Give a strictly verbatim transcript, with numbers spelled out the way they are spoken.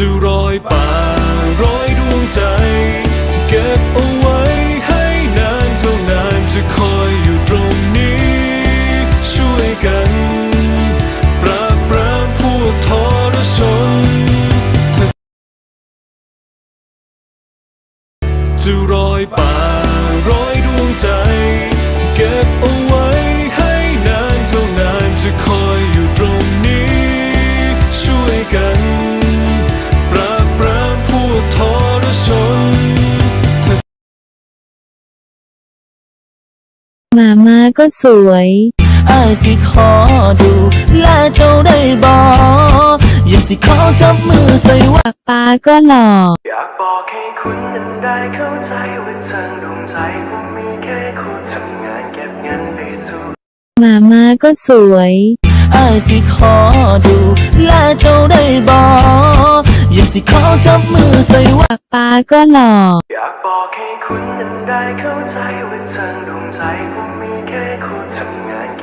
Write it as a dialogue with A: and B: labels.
A: จะร้อยป่าร้อยดวงใจเก็บเอาไว้ให้นานเท่านานจะคอยอยู่ตรงนี้ช่วยกันปราบปรามพวกทรชนจะร้อยป่าร้อยดวงใจเก็บเอาไว้ให้นานเท่านานจะคอยอยู่ตรงนี้ช่วยกันปราบปรามพวกทรชน
B: มาม่าก็สวย
C: อ้ายสิขอดูแลเจ้าได้บ่อยากสิขอจับมือใส่ว่า
B: ป้าก็หล่อ
A: อยากบอกให้คุณนั้นได้เข้าใจว่าทางดวงใจผมมีแค่คุณทำงานเก็บเงินไปสู่
B: มาม่าก็สวย
C: อ้ายสิขอดูแลเจ้าได้บ่อยากสิขอจับมือใส่ว่า
B: ป้าก็หล่อ
A: อยากบอกให้คุณนั้นได้เข้าใจว่าทางดวงใจผมมีแค่คุณทำงาน